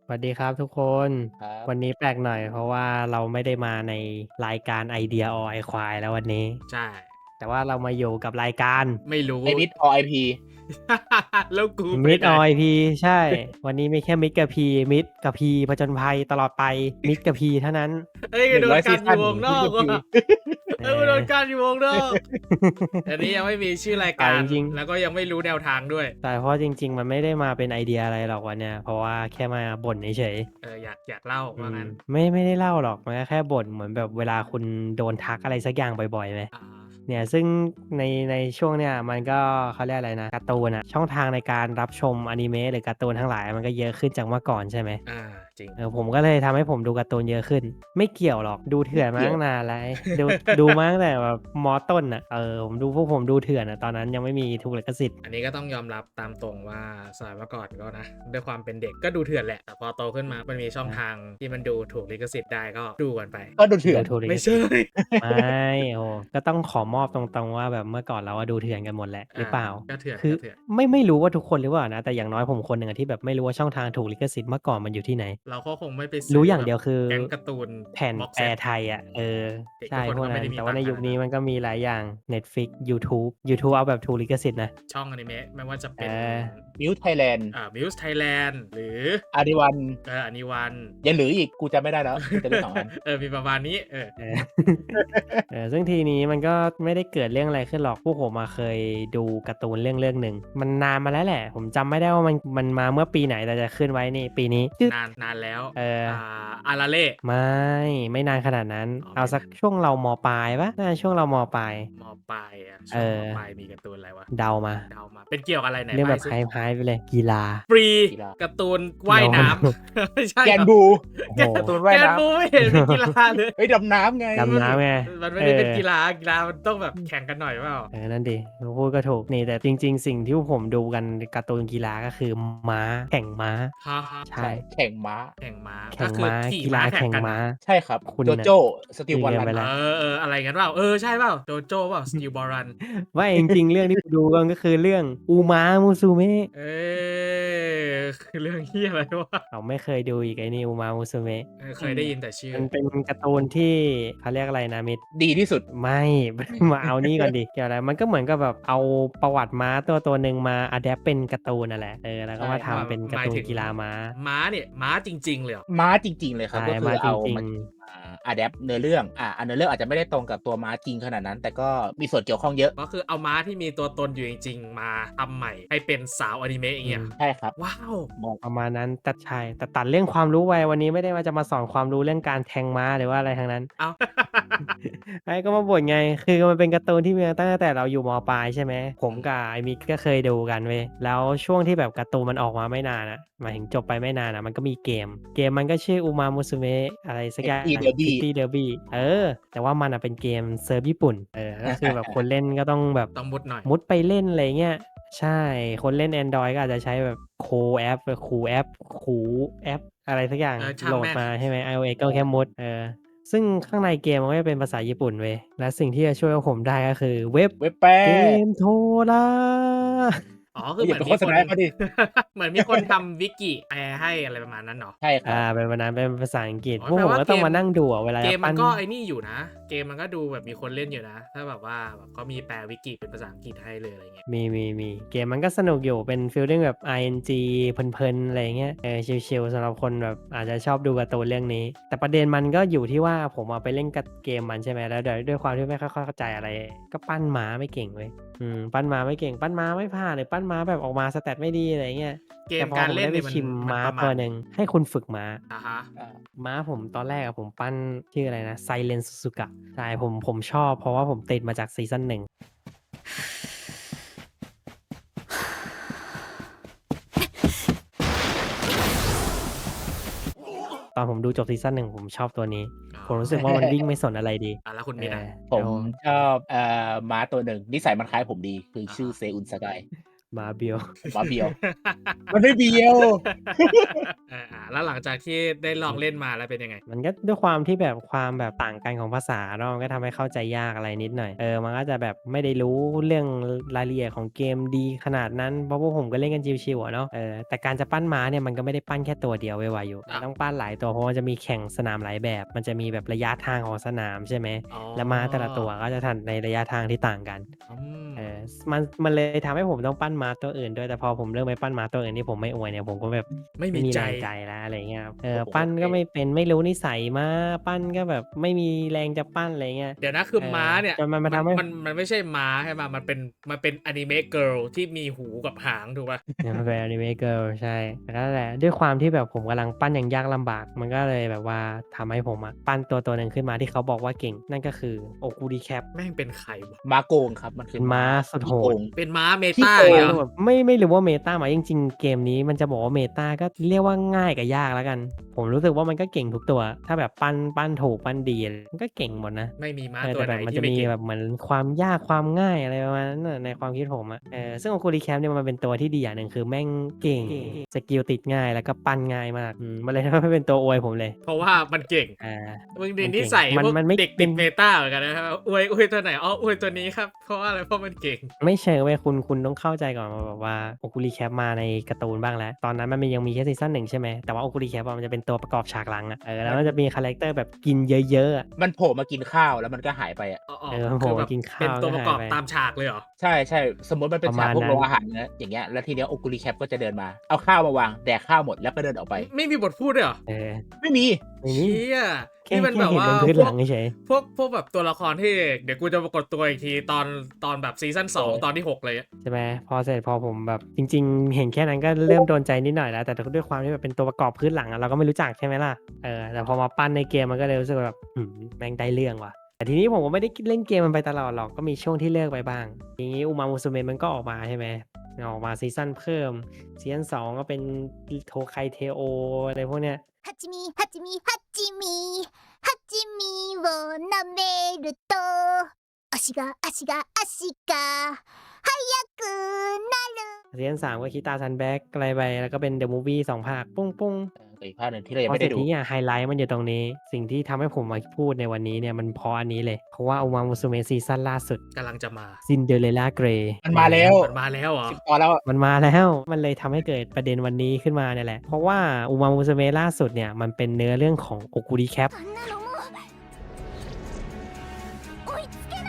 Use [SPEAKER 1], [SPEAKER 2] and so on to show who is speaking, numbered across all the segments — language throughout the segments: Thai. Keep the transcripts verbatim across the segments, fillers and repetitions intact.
[SPEAKER 1] สวัสดีครับทุกคน
[SPEAKER 2] ครับ
[SPEAKER 1] วันนี้แปลกหน่อยเพราะว่าเราไม่ได้มาในรายการไอเดียออไอควายแล้ววันนี้
[SPEAKER 3] ใช่
[SPEAKER 1] แต่ว่าเรามาอยู่กับรายการ
[SPEAKER 3] ไม่รู้
[SPEAKER 2] ไอมิดออไอพี
[SPEAKER 3] แล้วกูไป
[SPEAKER 1] มิด
[SPEAKER 3] ไหน
[SPEAKER 1] ออยพีใช่ วันนี้มีแค่มิดกับพีมิดกับพีผจญภัยตลอดไปมิดกับพีเท่านั้น
[SPEAKER 3] เอ้ย
[SPEAKER 2] หนึ่ง
[SPEAKER 3] โดน
[SPEAKER 2] ร้อยซีซั่น
[SPEAKER 3] กันอยู่วงนอกว่ะ
[SPEAKER 2] มิดกับพี
[SPEAKER 1] เอ
[SPEAKER 3] เอ้ยโดน
[SPEAKER 1] อ
[SPEAKER 3] กันอยู่วงนอกอันนี้ยังไม่มีชื่อราย
[SPEAKER 1] แต่
[SPEAKER 3] การ
[SPEAKER 1] จริง
[SPEAKER 3] แล้วก็ยังไม่รู้แนวทางด้วย
[SPEAKER 1] ๆแต่เพราะจริงๆมันไม่ได้มาเป็นไอเดียอะไรหรอกวันเนี้ยเพราะว่าแค่มาบ่นเฉย
[SPEAKER 3] เอออยากอยากเล่า
[SPEAKER 1] ๆอืม
[SPEAKER 3] ว่างั้น
[SPEAKER 1] ไม่ไม่ได้เล่าหรอกมันก็แค่บ่นเหมือนแบบเวลาคุณโดนทักอะไรสักอย่างบ่อยๆไหม
[SPEAKER 3] อ่า
[SPEAKER 1] เนี่ยซึ่งในในช่วงเนี่ยมันก็เขาเรียกอะไรนะการ์ตูนอะช่องทางในการรับชมอนิเมะหรือการ์ตูนทั้งหลายมันก็เยอะขึ้นจากเมื่อก่อนใช่ไหม
[SPEAKER 3] อ่าจริง
[SPEAKER 1] เออผมก็เลยทำให้ผมดูการ์ตูนเยอะขึ้นไม่เกี่ยวหรอกดู
[SPEAKER 2] ไม่
[SPEAKER 1] เถื่อนมา
[SPEAKER 2] เกี่ยว
[SPEAKER 1] ตั้งนานแล้วดูดูมาตั้งแต่แบบมต้นอะเออผมดูพวกผมดูเถื่อนอะตอนนั้นยังไม่มีถูกลิขสิทธิ์
[SPEAKER 3] อันนี้ก็ต้องยอมรับตามตรงว่าสมัยเมื่อก่อนก็นะด้วยความเป็นเด็กก็ดูเถื่อนแหละแต่พอโตขึ้นมามันมีช่อง
[SPEAKER 1] นะ
[SPEAKER 3] ทางที่มันดูถูกลิขสิทธิ์ได้ก็ดูกันไป
[SPEAKER 2] ก็ดูเถื่
[SPEAKER 1] ดู
[SPEAKER 2] อน
[SPEAKER 1] ถูกลิข
[SPEAKER 3] ไม่ใช่
[SPEAKER 1] สิทธิ์ไม่โอ้ก็ต้องขอมอบตรงๆว่าแบบเมื่อก่อนเราอะดูเถื่อนกันหมดแหละห
[SPEAKER 3] อ่า
[SPEAKER 1] รือเปล่า
[SPEAKER 3] ก็เถื่อน
[SPEAKER 1] คือ
[SPEAKER 3] ก็เถื่อน
[SPEAKER 1] ไม่ไม่รู้ว่าทุกคนหรือเปล่านะแต่อย่างน้อยผมคนหนึ่งอะที่แบบไม่รู้ว่าช่องทางถูกลิขสิทธิ์เมื่อก่อนมันอยู่ที่ไหน
[SPEAKER 3] เราก็คงไม่ไป
[SPEAKER 1] รู้อย่าง
[SPEAKER 3] ซื้อแบบ
[SPEAKER 1] เดียวคือ
[SPEAKER 3] แก๊งการ์ตูน
[SPEAKER 1] แผ่นแปล
[SPEAKER 3] บ็อกเซต
[SPEAKER 1] ไทยอะเออ
[SPEAKER 3] เด็ก
[SPEAKER 1] ใช่
[SPEAKER 3] ทุกคน
[SPEAKER 1] พวกนั้น
[SPEAKER 3] ก็ไม่ได้มี
[SPEAKER 1] แต่ว่าในยุค
[SPEAKER 3] ตังค์ขนาดนั้น
[SPEAKER 1] นี้มันก็มีหลายอย่าง Netflix ยูทูบยูทูบเอาแบบถูกลิขสิทธิ์นะ
[SPEAKER 3] ช่องอนิเมะไม่ว่าจะ
[SPEAKER 1] เอ
[SPEAKER 3] เป็น
[SPEAKER 1] อ
[SPEAKER 2] มิวไทยแลนด์
[SPEAKER 3] อ่า Muse Thailand หรือ
[SPEAKER 2] อาริวัน
[SPEAKER 3] เอออนิวัน
[SPEAKER 2] ยังเหลืออีกกูจำไม่ได้แล้วกูจะได้สองอัน
[SPEAKER 3] เออมีประมาณนี้เออ
[SPEAKER 1] เออเออซึ่งทีนี้มันก็ไม่ได้เกิดเรื่องอะไรขึ้นหรอกพวกผมอะเคยดูการ์ตูนเรื่องเรื่องหนึ่งมันนานมาแล้วแหละผมจำไม่ได้ว่ามันมันมาเมื่อปีไหนแต่จะขึ้นไว้นี่ปีนี้จึ๊ก
[SPEAKER 3] นานนานแล้ว
[SPEAKER 1] เออ
[SPEAKER 3] อ่าอาราเล่
[SPEAKER 1] ไม่ไม่นานขนาดนั้น
[SPEAKER 3] อ๋อ
[SPEAKER 1] เอาสัก
[SPEAKER 3] ไม่นาน
[SPEAKER 1] ช่วงเรามปลายเปล่าน่าจะช่วงเรามปลาย
[SPEAKER 3] มปลายอ่ะ
[SPEAKER 1] เอ
[SPEAKER 3] ช่วงมปลาย
[SPEAKER 1] อ
[SPEAKER 3] มีการ์ตูนอะไรวะ
[SPEAKER 1] เดามา
[SPEAKER 3] เดามาเป็นเกี่ยวกับอะไรไหน
[SPEAKER 1] เรื่องแบบ
[SPEAKER 3] ใบ้สิ
[SPEAKER 1] Hypeๆไปเลยกีฬา
[SPEAKER 3] ฟรี
[SPEAKER 2] กีฬา
[SPEAKER 3] การ์ตูนว่ายน้ำ ไม่ใช่เหรอ
[SPEAKER 2] แกนบู
[SPEAKER 1] โอ้โฮ
[SPEAKER 3] แก
[SPEAKER 2] การ์ตูน
[SPEAKER 3] แก
[SPEAKER 2] ว่ายน้
[SPEAKER 3] นบูไม่เห็นมีกีฬาเลย
[SPEAKER 2] ำเฮ้ยดำน้ำไง
[SPEAKER 1] ดำน้ำไง
[SPEAKER 3] มันไม่
[SPEAKER 1] เออ
[SPEAKER 3] ได้เป็นกีฬากีฬามันต้องแบบแข่งกันหน่อยเปล่า
[SPEAKER 1] เออนั่นดิพูดก็ถูกนี่แต่จริงๆสิ่งที่พวกผมดูกันการ์ตูนกีฬาก็คือม้าแข่งม้า
[SPEAKER 3] ฮะฮะ
[SPEAKER 1] ใช่
[SPEAKER 2] ใช่แข่งม้า
[SPEAKER 3] แข่งม้าก็
[SPEAKER 1] แข่ง
[SPEAKER 3] คือ
[SPEAKER 1] ม้า
[SPEAKER 3] ขี่
[SPEAKER 1] กีฬา
[SPEAKER 3] ม้าแข่ง
[SPEAKER 1] แข่งม้า
[SPEAKER 3] กันนะ
[SPEAKER 2] ใช่ครับ
[SPEAKER 1] คุณน่ะ
[SPEAKER 2] โจโจ้สตีล
[SPEAKER 1] ลืม
[SPEAKER 2] บอลลัน
[SPEAKER 3] เอ
[SPEAKER 1] กันไปแล้ว
[SPEAKER 3] อเอออะไรกันเปล่าเออใช่เปล่าโจโจ้เปล่าสตีลบอลรัน
[SPEAKER 1] ไม่จริงๆเรื่องที่ผมดูกันก็คือเรื่อง Uma Musume
[SPEAKER 3] เอ้ยคือเรื่องเฮียอะไรวะ
[SPEAKER 1] อ้าวไม่เคยดูอีกไอ้นี่ Uma Musume
[SPEAKER 3] เออเค
[SPEAKER 2] อืม
[SPEAKER 3] ยได้ยินแต่ชื่อ
[SPEAKER 1] มันเป็นการ์ตูนที่เขาเรียกอะไรนะมิตร
[SPEAKER 2] ดีที่สุด
[SPEAKER 1] ไม่ มาเอานี่ก่อนดิเกี่ยวอะไรมันก็เหมือนกับแบบเอาประวัติม้าตัวตัวหนึ่งมาอะแดปเป็นการ์ตูนนั่นแหละเออแล้วก็
[SPEAKER 2] ใช่ครับ
[SPEAKER 3] ว่า
[SPEAKER 1] มาทำเป็น
[SPEAKER 3] ห
[SPEAKER 1] การ์ตูน
[SPEAKER 3] มายถึง
[SPEAKER 1] กีฬาม้า
[SPEAKER 3] ม้าเนี่ยม้าจริงๆเลยเหรอ
[SPEAKER 2] ม้าจริงๆเลยครับ
[SPEAKER 1] ใช่
[SPEAKER 2] ก็คือ
[SPEAKER 1] ม้าจ
[SPEAKER 2] เอา
[SPEAKER 1] ริง
[SPEAKER 2] มาอะแดปเนื้อเรื่องอ่าอันเนื้อเรื่องอาจจะไม่ได้ตรงกับตัวม้าจริงขนาดนั้น แต่ก็มีส่วนเกี่ยวข้องเยอะ
[SPEAKER 3] ก็คือเอาม้าที่มีตัวตนอยู่จริงๆมาทำใหม่ให้เป็นสาวอนิเมะอ
[SPEAKER 1] ๆอืม
[SPEAKER 3] ย่างเงี้ย
[SPEAKER 2] ใช่ครับ
[SPEAKER 3] ว้าว
[SPEAKER 2] มอง
[SPEAKER 1] ประมาณนั้นแต่ใช่แต่ตัดเรื่องความรู้ไปวันนี้ไม่ได้ว่าจะมาสอนความรู้เรื่องการแทงม้าหรือว่าอะไรทั้งนั้น
[SPEAKER 3] เอา
[SPEAKER 1] ไอ้ก็มาบ่นไงคือมันเป็นการ์ตูนที่มีมาตั้งแต่เราอยู่มปลายใช่ไหมผมกับไอ้มิกก็เคยดูกันเว้ยแล้วช่วงที่แบบการ์ตูนมันออกมาไม่นานอะหมายถึงจบไปไม่นานอะมันก็มีเกมเกมมันก็ชื่อ Uma Musume อะไรสักอย่า
[SPEAKER 2] เอ็กซ์อีเด
[SPEAKER 1] ง
[SPEAKER 2] อร์บี้
[SPEAKER 1] City Derby เออแต่ว่ามันอะเป็นเกมเซิร์ฟญี่ปุ่นเออก็คือแบบคนเล่นก็ต้องแบบ
[SPEAKER 3] ต้องมุดหน่อย
[SPEAKER 1] มุดไปเล่นอะไรเงี้ยใช่คนเล่นแอนดรอยก็อาจจะใช้แบบโคแอปคูแอปคูแอปอะไรสักอย่าง
[SPEAKER 3] เออช่า
[SPEAKER 1] โหลด
[SPEAKER 3] งแม่ง
[SPEAKER 1] มาใช่ไหม iOS ก็แค่มุดเออ ซึ่งข้างในเกมมันก็จะเป็นภาษาญี่ปุ่นเว้ยและสิ่งที่จะช่วยพวกผมได้ก็คือเว็บ
[SPEAKER 2] เว็บแปล
[SPEAKER 1] เกมโทร
[SPEAKER 3] อ๋อ
[SPEAKER 2] เฮ้ย
[SPEAKER 3] คือเห
[SPEAKER 2] อย่าไปโฆษณา
[SPEAKER 3] มือนมีคน
[SPEAKER 2] ให้เขาดิ
[SPEAKER 3] เหมือนมีคนทำวิกิแปลให้อะไรประมาณนั้นเหรอ
[SPEAKER 2] ใช่ค
[SPEAKER 1] อา
[SPEAKER 2] รับ
[SPEAKER 1] เป็นวันนั้นเป็นภาษาอังกฤษ
[SPEAKER 3] อ๋อแปล
[SPEAKER 1] พวกผมก็
[SPEAKER 3] ว่าเกม
[SPEAKER 1] ต้องมานั่งดูอะเวลา
[SPEAKER 3] เกมมัน
[SPEAKER 1] จะปั้น
[SPEAKER 3] ก็ไอ้นี่อยู่นะเกมมันก็ดูแบบมีคนเล่นอยู่นะถ้าแบบว่าแบบเขามีแปลวิกิเป็นภาษาอังกฤษให้เลยอะไรเงี้ย
[SPEAKER 1] มีมีมีเกมมันก็สนุกอยู่เป็นฟีลลิ่งแบบ อาร์ เอ็น จี เพลินๆอะไรอย่างเงี้ยเออชิลๆสำหรับคนแบบอาจจะชอบดูการ์ตูนเรื่องนี้แต่ประเด็นมันก็อยู่ที่ว่าผมอะไปเล่นกับเกมมันใช่ไหมแล้วด้วยด้วยความที่ไม่ค่อยเข้าใจอะไรก็ปั้นม้าไม่เก่งเว้ยอืมปั้นม้าไม่เก่งปั้นม้าไม่ผ่านหรือปั้นม้าแบบออกมา stat ไม่ดีอะไรอย่างเงี้ย
[SPEAKER 3] เก
[SPEAKER 1] แต่
[SPEAKER 3] มการ
[SPEAKER 1] พอผมได้ไป
[SPEAKER 3] เล่นเนี่ยมัน
[SPEAKER 1] ชิมม้า
[SPEAKER 3] มันประมาณไหน
[SPEAKER 1] ตัวหนึ่งให้คุณฝึกม้า
[SPEAKER 3] อะฮะ
[SPEAKER 2] อ่า
[SPEAKER 1] ม้าผมตอนแรกอะผมปั้นชื่ออะไรนะ Silent Suzuka ใช่ผมผมชอบเพราะว่าผมติดมาจากซีซั่นหนึ่งตอนผมดูจบซีซั่นหนึ่งผมชอบตัวนี้
[SPEAKER 3] อ๋อ
[SPEAKER 1] ผมรู้สึกว่ามันวิ่งไม่สนอะไรดี
[SPEAKER 3] อ่ะแล้วคุณ
[SPEAKER 1] เอ
[SPEAKER 3] มีนะ
[SPEAKER 1] อ
[SPEAKER 2] ผม
[SPEAKER 1] แล้ว
[SPEAKER 2] ชอบเอ่อม้าตัวหนึ่งนิสัยมันคล้ายผมดีคือ
[SPEAKER 3] อ่า
[SPEAKER 2] ชื่อ
[SPEAKER 3] ฮะ
[SPEAKER 2] เซอุนสกาย
[SPEAKER 1] ม้าเบียว
[SPEAKER 2] ม้าเบียวมันไม่เบียว
[SPEAKER 3] เอออ่าแล้แล้วหลังจากที่ได้ลองเล่นมาแล้วเป็นยังไง?
[SPEAKER 1] มันก็ด้วยความที่แบบความแบบต่างกันของภาษาเนาะ มันก็ทำให้เข้าใจยากอะไรนิดหน่อย เออ มันก็จะแบบไม่ได้รู้เรื่องรายละเอียดของเกมดีขนาดนั้น เพราะพวกผมก็เล่นกันชิล ๆ อะเนาะ เออ แต่การจะปั้นม้าเนี่ยมันก็ไม่ได้ปั้นแค่ตัวเดียวไว ๆ อยู่
[SPEAKER 3] อ้าว
[SPEAKER 1] ต้องปั้นหลายตัว เพราะมันจะมีแข่งสนามหลายแบบ มันจะมีแบบระยะทางของสนาม ใช่ไหม
[SPEAKER 3] อ๋อ
[SPEAKER 1] แล้วม้าแต่ละตัวก็จะทันในระยะทางที่ต่างกัน
[SPEAKER 3] อืม
[SPEAKER 1] เออ ส มัน มันเลยทำให้ผมต้องปั้นม้าตัวอื่นด้วย แต่พอผมเริ่มไปปั้นม้าตัวอื่นที่ผมไม่อวยเนี่ย ผมก็แบบ
[SPEAKER 3] ไม่
[SPEAKER 1] ไม่
[SPEAKER 3] มี
[SPEAKER 1] มี
[SPEAKER 3] ใจ
[SPEAKER 1] แรงใจแล้ว อะไรอย่างเงี้ยครับ เออ
[SPEAKER 2] ผม
[SPEAKER 1] ปั้น
[SPEAKER 2] โอเค
[SPEAKER 1] ก็ไม่เป็น ไม่รู้นิสัยม้า ปั้นก็แบบไม่มีแรงจะปั้น อะไรเงี้ย
[SPEAKER 3] เดี๋ยวนะ คือ
[SPEAKER 1] เออ
[SPEAKER 3] ม้าเนี่ย
[SPEAKER 1] จนมัน
[SPEAKER 3] มั
[SPEAKER 1] มาน ทำให้
[SPEAKER 3] มัน มันไม่ใช่ม้าใช่เปล่า? มันเป็น มันเป็นอานิเมะ Girl ที่มีหูกับหางถูกเปล่า?
[SPEAKER 1] เออ มันเป็น Anime Girl ใช่ แต่นั่นแหละ ด้วยความที่แบบผมกำลังปั้นอย่างยากลำบาก มันก็เลยแบบว่าทำให้ผมอะปั้นตัวตัวหนึ่งขึ้นมาที่เขาบอกว่าเก่ง นั่นก็คือ Okulicap
[SPEAKER 3] แม่งเป็นใครวะ?
[SPEAKER 2] ม้าโกงครับ มันคื
[SPEAKER 1] เป็
[SPEAKER 2] อน
[SPEAKER 1] ม้า
[SPEAKER 2] ม้า
[SPEAKER 1] สุด
[SPEAKER 2] ขี้
[SPEAKER 1] โห
[SPEAKER 2] โก
[SPEAKER 1] ด
[SPEAKER 2] ง
[SPEAKER 3] เป็นม้าเม
[SPEAKER 2] ขี้
[SPEAKER 3] ตา
[SPEAKER 2] โก
[SPEAKER 3] อย่างเงี้ย
[SPEAKER 1] เออ
[SPEAKER 3] เหรอ?
[SPEAKER 1] แบบไม่ ไม่รู้ว่า Meta ไหม จริง ๆ เกมนี้มันจะบอกว่า Meta ก็เรียกว่าง่ายกับยากแล้วกัน ผมรู้สึกว่ามันก็เก่งทุกตัว ถ้าแบบปั้น ปั้นถูก ปั้นดี มันก็เก่งหมดนะ
[SPEAKER 3] ไม่มีม้า
[SPEAKER 1] เออ
[SPEAKER 3] ตั
[SPEAKER 1] แต
[SPEAKER 3] ว่
[SPEAKER 1] แ
[SPEAKER 3] ไห
[SPEAKER 1] บ
[SPEAKER 3] นท
[SPEAKER 1] บมันจี
[SPEAKER 3] ่
[SPEAKER 1] ะ
[SPEAKER 3] ไม่เก่ง
[SPEAKER 1] มีแบบเหมือนความยากความง่าย อะไรประมาณนั้นน่ะ ในความคิดผมอะ เออ ซึ่ง Okulicap เนี่ยมันเป็นตัวที่ดีอย่างหนึ่ง คือแม่งเก่ง สกิลติดง่าย แล้วก็ปั้นง่ายมาก อืม มันเลยทำให้เป็นตัวอวยผมเลย
[SPEAKER 3] เพราะว่ามันเก่ง
[SPEAKER 1] อา
[SPEAKER 3] มึงนี
[SPEAKER 1] มัน
[SPEAKER 3] นิ
[SPEAKER 1] เก่ง
[SPEAKER 3] สัย
[SPEAKER 1] มัน
[SPEAKER 3] พวก
[SPEAKER 1] มันไม่
[SPEAKER 3] เด็ก
[SPEAKER 1] เป
[SPEAKER 3] ต็ิด
[SPEAKER 1] น
[SPEAKER 3] Meta เหมือนกันนะครับ อวย อวยตัวไหน อ๋อ อวยตัวนี้ครับ เพราะว่าอะไร เพราะมันเก่ง
[SPEAKER 1] ไม่เชิงเว้ยคุณ คุณต้องเข้าใจก่อนว่าแบบว่า Okulicap มาในการ์ตูนบ้างแล้ว ตอนนั้นมันมี ยังมีแค่ซีซั่น หนึ่ง ใช่ไหม แต่ว่า Okulicap อะมันจะเป็นตัวประกอบฉากหลังอะ เออ แล้ว
[SPEAKER 2] มัน
[SPEAKER 1] มันจะมีคาแรกเตอร์แบบกินเยอะ ๆ อะ
[SPEAKER 2] มันโผล่มากินข้าว แล้วมันก็หายไปอะ
[SPEAKER 3] อ๋อ
[SPEAKER 1] เออ มันโ
[SPEAKER 3] ๆ
[SPEAKER 1] ผ
[SPEAKER 3] ค
[SPEAKER 1] ล่
[SPEAKER 3] ือ
[SPEAKER 1] ม
[SPEAKER 3] แบ
[SPEAKER 1] า
[SPEAKER 3] บ
[SPEAKER 1] กินข้
[SPEAKER 3] เป็
[SPEAKER 1] า
[SPEAKER 3] น
[SPEAKER 1] ว
[SPEAKER 3] ตัวป
[SPEAKER 1] ก็ห
[SPEAKER 3] ระ
[SPEAKER 1] า
[SPEAKER 3] ก
[SPEAKER 1] ย
[SPEAKER 3] อบ
[SPEAKER 1] ไป
[SPEAKER 3] ตามฉากเลยเหรอ?
[SPEAKER 2] ใช่ ๆ สมมุติมันเป็
[SPEAKER 1] ป
[SPEAKER 2] น
[SPEAKER 1] ระ
[SPEAKER 2] ฉ
[SPEAKER 1] ม
[SPEAKER 2] าก
[SPEAKER 1] าณ
[SPEAKER 2] พวก
[SPEAKER 1] นั
[SPEAKER 2] โร้
[SPEAKER 1] น
[SPEAKER 2] งอาหารเงี้ย อย่างเงี้ย แล้วทีเนี้ย Okulicap ก็จะเดินมา เอาข้าวมาวาง แดกข้าวหมด แล้วก็เดินออกไป
[SPEAKER 3] ไม่มีบทพูดด้วยเหรอ?
[SPEAKER 1] เออ
[SPEAKER 2] ไม่มี
[SPEAKER 1] ไม่
[SPEAKER 3] เช
[SPEAKER 1] มี
[SPEAKER 3] ี้ย
[SPEAKER 1] แค
[SPEAKER 3] นี่มัน
[SPEAKER 1] แค่
[SPEAKER 3] แบบว่า
[SPEAKER 1] เห็นเป็นพื้น
[SPEAKER 3] พวก
[SPEAKER 1] หลังเฉย ๆ
[SPEAKER 3] พวก พวกแบบตัวละครที่ เดี๋ยวกูจะปรากฏตัวอีกทีตอน ตอนแบบซีซั่น สอง ตอนที่ หก อะไรเงี้ย
[SPEAKER 1] ใช่ไหม พอเสร็จ พอผมแบบ จริง ๆ เห็นแค่นั้นก็เริ่มโดนใจนิดหน่อยแล้ว แต่ด้วยความที่แบบเป็นตัวประกอบพื้นหลังอะ เราก็ไม่รู้จัก ใช่ไหมล่ะ เออ แต่พอมาปั้นในเกมมันก็เลยรู้สึกว่าแบบ อื้อฮือ แม่งได้เรื่องว่ะ แต่ทีนี้ผมก็ไม่ได้ ก เล่นเกมมันไปตลอดหรอก ก็มีช่วงที่เลิกไปบ้าง ทีนี้ Umamusume มันก็ออกมา ใช่ไหม ออกมาซีซั่นเพิ่ม ซีซั่น สอง ก็เป็น อิ Tokai Teo อะไรพวกเนี้ย
[SPEAKER 4] はちみはちみはちみはちみを舐めると足が足が足が速くなる
[SPEAKER 1] ซีซั่น สาม ก็ Kita Sunback อะไรไป แล้วก็เป็น The Movie สอง ภาค ปุ้ง ๆ
[SPEAKER 2] เออ กับอีกภาคหนึ่งที่เรายั
[SPEAKER 1] พอ
[SPEAKER 2] งไม่
[SPEAKER 1] เส
[SPEAKER 2] ไ
[SPEAKER 1] ร
[SPEAKER 2] ด็้ดู
[SPEAKER 1] จทีเนี้ยไฮไลต์มันอยู่ตรงนี้ สิ่งที่ทำให้ผมมาพูดในวันนี้เนี่ย มันเพราะอันนี้เลย เพราะว่า Umamusume ซีซั่นล่าสุด
[SPEAKER 3] กำลังจะมา
[SPEAKER 1] Cinderella Grey
[SPEAKER 2] มันมาแล้ว
[SPEAKER 3] มันมาแล้วเหรอ?
[SPEAKER 2] สิบ ตอนแล้วอะ
[SPEAKER 1] มันมาแล้ว มันเลยทำให้เกิดประเด็นวันนี้ขึ้นมาเนี่ยแหละ เพราะว่า Umamusume ล่าสุดเนี่ย มันเป็นเนื้อเรื่องของ Okulicap
[SPEAKER 4] あんなのもう追いつけない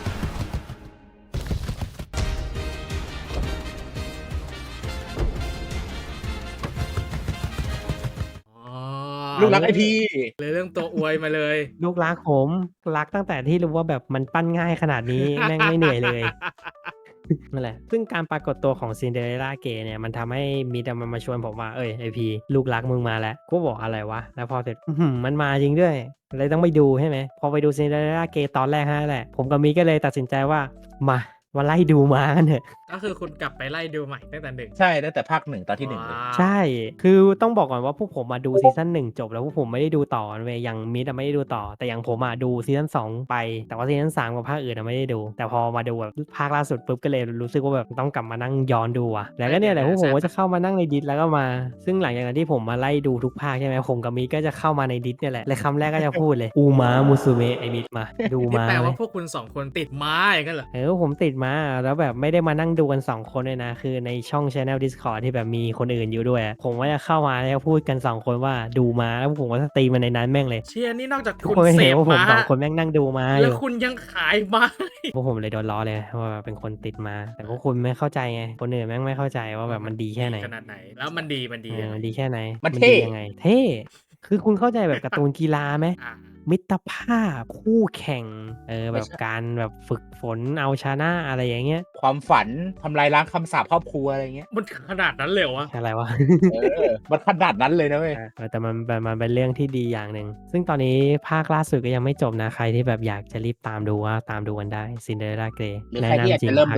[SPEAKER 3] อ๋อ
[SPEAKER 2] ลูกรักไอพี
[SPEAKER 3] เลยเรื่องตัวอวยมาเลย
[SPEAKER 1] ลูกรักผม รักตั้งแต่ที่รู้ว่าแบบมันปั้นง่ายขนาดนี้ แม่งไม่เหนื่อยเลย นั่นแหละ ซึ่งการปรากฏตัวของ Cinderella Grey เนี่ย มันทำให้มิตรอะมันมาชวนผมว่า "เฮ้ย ไอพี ลูกรักมึงมาแล้ว" กูก็บอก "อะไรวะ?" แล้วพอเสร็จ อื้อฮือ มันมาจริงด้วย เลยต้องไปดู ใช่ไหม พอไปดู Cinderella Grey ตอนแรกเท่านั้นแหละ ผมกับมิตรก็เลยตัดสินใจว่า มา มาไล่ดูม้ากันเถอะ
[SPEAKER 3] ก็คือคุณกลับไปไล่ดูใหม่ตั้งแต่ หนึ่ง
[SPEAKER 2] ใช่ ตั้งแต่ภาค หนึ่ง ตอนที่ หนึ่ง เลย
[SPEAKER 3] ว้า
[SPEAKER 1] ใช่
[SPEAKER 3] ว
[SPEAKER 1] คือต้องบอกก่อนว่าพวกผมอะดูซีซั่น หนึ่ง จบ แล้วพวกผมไม่ได้ดูต่อเว้ย อย่างมิตรอะไม่ได้ดูต่อ แต่อย่างผมอะดูซีซั่น สอง ไป แต่ว่าซีซั่น สาม กับภาคอื่นอะไม่ได้ดู แต่พอมาดูแบบ อ ภาคล่าสุดปุ๊บ ก็เลยรู้สึกว่าแบบต้องกลับมานั่งย้อนดูว่ะ แล้วก็เนี่ยแหละพวกผมก็จะเข้ามานั่งใน Disc แล้วก็มา ซึ่งหลังจากนั้นที่ผมมาไล่ดูทุกภาค ใช่ไหม ผมกับมิตรก็จะเข้ามาใน Disc เนี่ยแหละ แล้วคำแรกก็จะพูดเลย Umamusume ไอ้มิตร มา ดู
[SPEAKER 3] นี่
[SPEAKER 1] ม้า
[SPEAKER 3] แปล
[SPEAKER 1] ไหม
[SPEAKER 3] ว่าพวกคุณ สอง คนติดม้าอย่างงั้นเหรอ?
[SPEAKER 1] เออ ผมติดม้า แล้วแบบไม่ได้มานั่งดูกัน สอง คนด้วยนะ คือในช่อง Channel Discord ที่แบบมีคนอื่นอยู่ด้วยอะ ผมก็จะเข้ามาแล้วพูดกัน สอง คนว่าดูม้า แล้วพวกผมก็สตรีมกันในนั้นแม่งเลย
[SPEAKER 3] เชี่ย นี่นอกจาก
[SPEAKER 1] ทุก
[SPEAKER 3] คุณ
[SPEAKER 1] คนก็
[SPEAKER 3] เส
[SPEAKER 1] เห็น
[SPEAKER 3] พ
[SPEAKER 1] ว่าผม
[SPEAKER 3] ม้า
[SPEAKER 1] สอง คนแม่งนั่งดูม้าอ
[SPEAKER 3] แล้
[SPEAKER 1] ย
[SPEAKER 3] วู
[SPEAKER 1] ่
[SPEAKER 3] คุณยังขายม้า อีก
[SPEAKER 1] พวกผมเลยโดนล้อเลยว่าแบบเป็นคนติดม้า แต่พวกคุณไม่เข้าใจไง คนอื่นแม่งไม่เข้าใจว่าแบบมันดีแค่ไหน
[SPEAKER 3] ขนาดไหน แล้วมันดี มันดี
[SPEAKER 1] เออ
[SPEAKER 3] ยังไง?
[SPEAKER 1] มันดีแค่ไหน
[SPEAKER 2] มัน
[SPEAKER 1] มัน
[SPEAKER 2] เท่
[SPEAKER 1] ดียังไง เท่ คือคุณเข้าใจแบบการ์ตูนกีฬาไหม
[SPEAKER 3] อา
[SPEAKER 1] มิตรภาพ คู่แข่ง เออ
[SPEAKER 2] ไม
[SPEAKER 1] แบ่บ
[SPEAKER 2] ใช่
[SPEAKER 1] การแบบฝึกฝนเอาชนะ อะไรอย่างเงี้ย
[SPEAKER 2] ความฝัน ทำลายล้างคำสาปครอบครัว อะไรอย่างเงี้ย
[SPEAKER 3] มันขนาดนั้นเลยเหรอวะ?
[SPEAKER 1] อะไรวะ
[SPEAKER 2] เออ มันขนาดนั้นเลยนะเว้ย
[SPEAKER 1] เออ เออ แต่มัน แต่มันเป็นเรื่องที่ดีอย่างหนึ่ง ซึ่งตอนนี้ภาคล่าสุดก็ยังไม่จบนะ ใครที่แบบอยากจะรีบตามดูก็ตามดูกันได้ Cinderella Grey
[SPEAKER 2] หรือ
[SPEAKER 1] แน
[SPEAKER 2] ใค
[SPEAKER 1] ะน
[SPEAKER 2] รที่อยาก
[SPEAKER 1] ำจริ
[SPEAKER 2] จะ
[SPEAKER 1] งภาค
[SPEAKER 2] เริ่มดู
[SPEAKER 1] นี้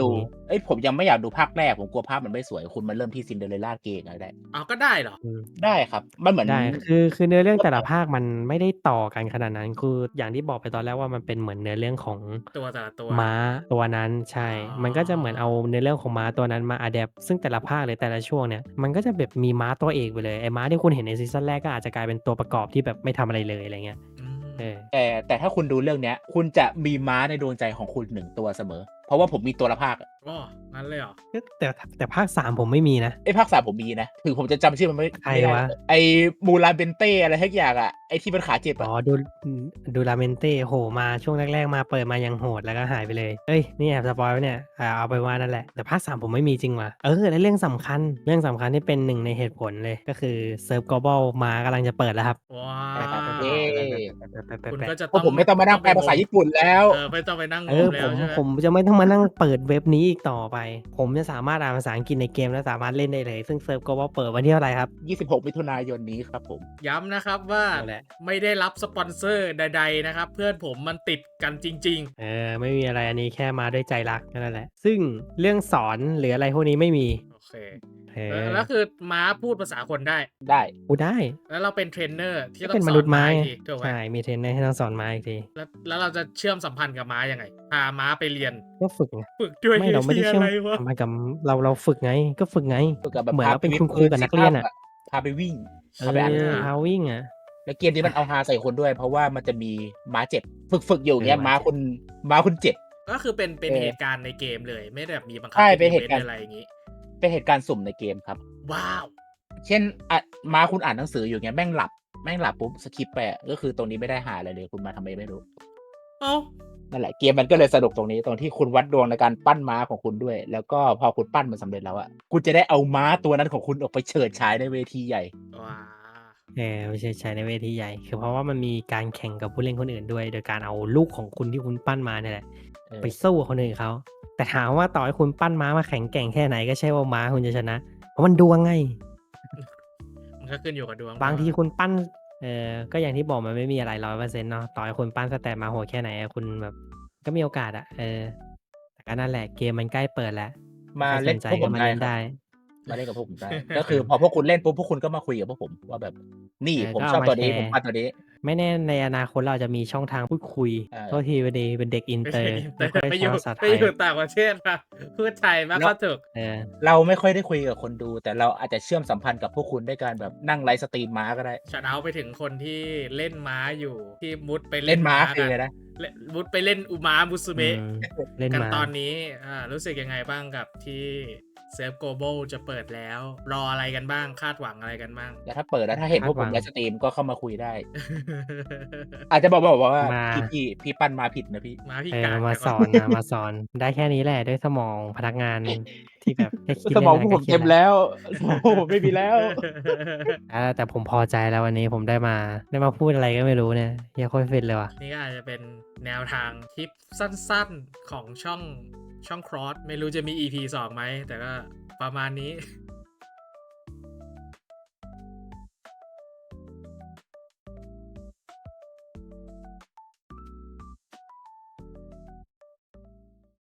[SPEAKER 2] เอ้ยผมยังไม่อยากดูภาคแรกผมกลัวภาพมันไม่สวยคุณมาเริ่มที่ซินเดอเรลล่าเกย์ก็ได้
[SPEAKER 3] เอาก็ได้เหรอ
[SPEAKER 1] อืม
[SPEAKER 2] ได้ครับ มันเหมือน
[SPEAKER 1] ได้คือคือเนื้อเรื่องแต่ละภาคมันไม่ได้ต่อกันขนาดนั้น คืออย่างที่บอกไปตอนแรกว่ามันเป็นเหมือนเนื้อเรื่องของ
[SPEAKER 3] ตัวแต่ละตัว
[SPEAKER 1] ม้าตัวนั้นใช่
[SPEAKER 3] อ๋อ
[SPEAKER 1] มันก็จะเหมือนเอาเนื้อเรื่องของม้าตัวนั้นมาอะแดปซึ่งแต่ละภาคหรือแต่ละช่วงเนี่ยมันก็จะแบบมีม้าตัวเอกไปเลยไอ้ม้าที่คุณเห็นในซีซั่นแรกก็อาจจะกลายเป็นตัวประกอบที่แบบไม่ทำอะไรเลยอะไรเงี้ย
[SPEAKER 3] อืม
[SPEAKER 1] เออ
[SPEAKER 2] แต่แต่ถ้าคุณดูเรื่องเนี้ย คุณจะมีม้าในดวงใจของคุณหนึ่งตัวเสมอ เพราะว่าผมมีตัวละภาคอะ
[SPEAKER 3] อ๋องั้นเลยเหรอ
[SPEAKER 1] แต่แต่ภาคสามผมไม่มีนะ
[SPEAKER 2] ไอ้ภาคสามผมมีนะถึงผมจะจำชื่อมันไม่
[SPEAKER 1] ใคร
[SPEAKER 2] ไม่ได้
[SPEAKER 1] วะ
[SPEAKER 2] ไอ้มูราเบนเต้อะไรทักอย่างอะไอ้ที่มันขาเจ็บ
[SPEAKER 1] อ๋
[SPEAKER 2] อะ
[SPEAKER 1] อดูดูลาเมนเต้โหมาช่วงแรก ๆ มาเปิดมายังโหดแล้วก็หายไปเลย เอ้ยนี่แอบสปอยล์ไว้เนี่ยอ่าเอาไปว่านั่นแหละแต่ภาคสามผมไม่มีจริงว่ะเออและเรื่องสำคัญเรื่องสำคัญที่เป็นหนึ่งในเหตุผลเลยก็คือเซิร์ฟ global มากำลังจะเปิดแล้วครับ
[SPEAKER 3] ว้า
[SPEAKER 2] ไปครับ
[SPEAKER 3] ว
[SPEAKER 2] เย้
[SPEAKER 3] คุณก็จะ
[SPEAKER 2] เพราะผมไม่ต้องมานั่งแปลภาษาญี่ปุ่นแล้ว
[SPEAKER 3] เออไม่ต้องไปนั่งง
[SPEAKER 1] เออ
[SPEAKER 3] มแล้
[SPEAKER 1] ผ
[SPEAKER 3] ว
[SPEAKER 1] ม
[SPEAKER 3] ใช่ไหม
[SPEAKER 1] ผมจะไม่ต้องมานั่งเปิดเว็บนี้อีกต่อไป ผมจะสามารถอ่านภาษาอังกฤษในเกมและสามารถเล่นได้เลย ซึ่งเซิร์ฟ global เปิดวันที่เท่าไหร่ครับ
[SPEAKER 2] ยี่สิบหก มิถุนายนนี้ครับผม
[SPEAKER 3] ย้ำนะครับว่า
[SPEAKER 1] นั่นแหละ
[SPEAKER 3] ไม่ได้รับสปอนเซอร์ใดๆนะครับ เพื่อนผมมันติดกันจริง
[SPEAKER 1] เออไม่มีอะไรอันนี้แค่มาด้วยใจรักแค่นั่นแหละ ซึ่งเรื่องสอนหรืออะไรพวกนี้ไม่มี
[SPEAKER 3] ๆ โอเค
[SPEAKER 1] เอ
[SPEAKER 3] เอ
[SPEAKER 1] อ
[SPEAKER 3] อแล้วคือม้าพูดภาษาคนได้
[SPEAKER 2] ได้
[SPEAKER 1] กูได้
[SPEAKER 3] แล้วเราเป็นเทรนเนอร์ที่
[SPEAKER 1] ก็
[SPEAKER 3] ต้อ
[SPEAKER 1] เป็น
[SPEAKER 3] ง
[SPEAKER 1] ม
[SPEAKER 3] สอ
[SPEAKER 1] นุ
[SPEAKER 3] น
[SPEAKER 1] ษย์
[SPEAKER 3] ม้า
[SPEAKER 1] ไม้
[SPEAKER 3] อีกทีถูกไหม
[SPEAKER 1] ใช่มีเทรนเนอร์ให้ต้องสอนม้าอีกที
[SPEAKER 3] แล้วแล้วเราจะเชื่อมสัมพันธ์กับม้ายังไง พาม้าไปเรียน
[SPEAKER 1] ก็ฝึกไง
[SPEAKER 3] ฝึกด้วย
[SPEAKER 1] ไม่เราไม่ได้
[SPEAKER 3] เหี้ย
[SPEAKER 1] เชื่อม
[SPEAKER 3] อะไรวะ
[SPEAKER 1] สัมพันธ์กับเราเราฝึกไงก็ฝึกไง
[SPEAKER 2] ฝึกกับแบบ
[SPEAKER 1] เหมือน
[SPEAKER 2] พา
[SPEAKER 1] เราเป็น
[SPEAKER 2] ไป
[SPEAKER 1] คุณครูกับนักเรียนอ่ะ
[SPEAKER 2] พาไปวิ่ง
[SPEAKER 1] เอ
[SPEAKER 2] พาไปอ่านหนัง
[SPEAKER 1] อ
[SPEAKER 2] สือ
[SPEAKER 1] พาวิ่งอ่ะ
[SPEAKER 2] แล้วเกมนี้มันเอาฮาใส่คนด้วย เพราะว่ามันจะมีม้าเจ็บ ฝึกฝึกอยู่เงี้ย
[SPEAKER 1] เออ
[SPEAKER 2] ม้า
[SPEAKER 1] ม้าเจ็บ
[SPEAKER 2] คุณม้าคุณเจ็บ
[SPEAKER 3] ก็คือเป็นเป็น
[SPEAKER 2] เออ
[SPEAKER 3] เหตุการณ์ในเกมเลย ไม่ได้แบบมีบังคับ
[SPEAKER 2] ใช่
[SPEAKER 3] เป็น
[SPEAKER 2] เป็นเห
[SPEAKER 3] อี
[SPEAKER 2] ตุ
[SPEAKER 3] เวน
[SPEAKER 2] การณ์
[SPEAKER 3] ต์อะไรอย่างงี้
[SPEAKER 2] เป็นเหตุการณ์สุ่มในเกมครับ
[SPEAKER 3] ว้าว
[SPEAKER 2] เช่นอ่ะม้าคุณอ่านหนังสืออยู่เงี้ยแม่งหลับแม่งหลับปุ๊บสคิปไปอะก็คือตรงนี้ไม่ได้หาอะไรเลยคุณมาทำไมไม่รู้
[SPEAKER 3] เอ้า
[SPEAKER 2] นั่นแหละเกมมันก็เลยสนุกตรงนี้ตรงที่คุณวัดดวงในการปั้นม้าของคุณด้วย แล้วก็พอคุณปั้นมันสำเร็จแล้วอะคุณจะได้เอาม้าตัวนั้นของคุณออกไปเฉิดฉายในเวทีใหญ่
[SPEAKER 3] ว้า
[SPEAKER 1] เออไม่ใช่ใช้ในเวทีใหญ่ คือเพราะว่ามันมีการแข่งกับผู้เล่นคนอื่นด้วย โดยการเอาลูกของคุณที่คุณปั้นมาเนี่ยแหละ
[SPEAKER 2] เออ
[SPEAKER 1] ไปสู้กับคนอื่นเขา แต่ถามว่าต่อให้คุณปั้นม้ามาแข็งแกร่งแค่ไหนก็ใช่ว่าม้าคุณจะชนะ เพราะมันดวงไง
[SPEAKER 3] มันก็ขึ้นอยู่กับดวง
[SPEAKER 1] บางทีคุณปั้น เออก็อย่างที่บอกมันไม่มีอะไรร้อยเปอร์เซ็นต์เนาะ ต่อให้คุณปั้นสแตทมาโหดแค่ไหนอะคุณแบบ ก็มีโอกาสอะเออ แต่ก็นั่นแหละเกมมันใกล้เปิดแล้ว
[SPEAKER 2] มา
[SPEAKER 1] ใครส
[SPEAKER 2] เล่น
[SPEAKER 1] นใจ
[SPEAKER 2] พวกผ
[SPEAKER 1] ก็
[SPEAKER 2] ม
[SPEAKER 1] มา
[SPEAKER 2] ได้
[SPEAKER 1] เล่น
[SPEAKER 2] ครับ
[SPEAKER 1] ได้
[SPEAKER 2] มาเล่นกับพวกผมได้ ก็คือพอพวกคุณเล่นปุ๊บพวกคุณก็มาคุยกับพวกผมว่าแบบ นี่
[SPEAKER 1] เออ
[SPEAKER 2] ผม
[SPEAKER 1] ก็
[SPEAKER 2] ช
[SPEAKER 1] เอา
[SPEAKER 2] อบ
[SPEAKER 1] มา
[SPEAKER 2] ตัวนี้
[SPEAKER 1] แชร์
[SPEAKER 2] ผมปั้นตัวนี้
[SPEAKER 1] ไม่แน่ในอนาคตเราอาจจะมีช่องทางพูดคุย
[SPEAKER 2] เออ
[SPEAKER 1] โทษทีพอดีเป็นเด็กอิน
[SPEAKER 3] ไม่
[SPEAKER 1] เตอ
[SPEAKER 3] ใช่
[SPEAKER 1] ร์
[SPEAKER 3] อินเตอ
[SPEAKER 1] ไม่
[SPEAKER 3] ร์
[SPEAKER 1] ค่อย
[SPEAKER 3] ไป
[SPEAKER 1] ใช้
[SPEAKER 3] อยู่
[SPEAKER 1] ภาษาไท
[SPEAKER 3] ไป
[SPEAKER 1] ย
[SPEAKER 3] อยู่ต่างประเทศมาพูดไทยมากก็ถูก
[SPEAKER 1] เออ
[SPEAKER 2] เราไม่ค่อยได้คุยกับคนดู แต่เราอาจจะเชื่อมสัมพันธ์กับพวกคุณด้วยการแบบนั่งไลฟ์สตรีมม้าก็ได้
[SPEAKER 3] ชัดเอาไปถึงคนที่เล่นม้าอยู่ที่มุดไป
[SPEAKER 2] เล่
[SPEAKER 3] เล่
[SPEAKER 2] น
[SPEAKER 3] น
[SPEAKER 2] ม้า
[SPEAKER 3] ม้า
[SPEAKER 2] คือ
[SPEAKER 3] กั
[SPEAKER 2] เลย
[SPEAKER 3] น
[SPEAKER 2] นะ
[SPEAKER 3] เล่นมุดไปเล่นอุมามุสุ
[SPEAKER 1] อื
[SPEAKER 3] เมะ
[SPEAKER 1] มเล่น
[SPEAKER 3] กัน
[SPEAKER 1] มา
[SPEAKER 3] ตอนนี้อ่ารู้สึกยังไงบ้างกับที่เซิร์ฟโกลบอลจะเปิดแล้ว รออะไรกันบ้างคาดหวังอะไรกันบ้าง
[SPEAKER 2] แต่ถ้าเปิดแล้วถ้าเห็นพวกผม
[SPEAKER 1] คาดหวัง
[SPEAKER 2] ไลฟ์สตรีมก็เข้ามาคุยได้ อาจจะบอกบอกว่า
[SPEAKER 1] มา
[SPEAKER 2] พี่พี่พี่ปั้นมาผิดนะพี่
[SPEAKER 3] ม้าพิ
[SPEAKER 1] เอ
[SPEAKER 3] การ
[SPEAKER 1] อมา
[SPEAKER 3] เดี๋ยว
[SPEAKER 1] ส
[SPEAKER 3] ก่
[SPEAKER 1] อนนะมาสอนได้แค่นี้แหละด้วยสมองพนักงานที่แบบแค่คิด
[SPEAKER 2] สมอง
[SPEAKER 1] เล่นๆ
[SPEAKER 2] พวกผม
[SPEAKER 1] ก็ครีย
[SPEAKER 2] เต็
[SPEAKER 1] ด
[SPEAKER 2] มแล้วสมองพวกผมไม่มีแล้ว
[SPEAKER 1] อ่าแต่ผมพอใจแล้ววันนี้ผมได้มาได้มาพูดอะไรก็ไม่รู้เนี่ยเฮียโคตรฟินเลยว่ะ
[SPEAKER 3] นี่ก็อาจจะเป็นแนวทางคลิปสั้นๆของช่องช่องครอสไม่รู้จะมี อี พี สองไหม แต่ก็ประมาณนี้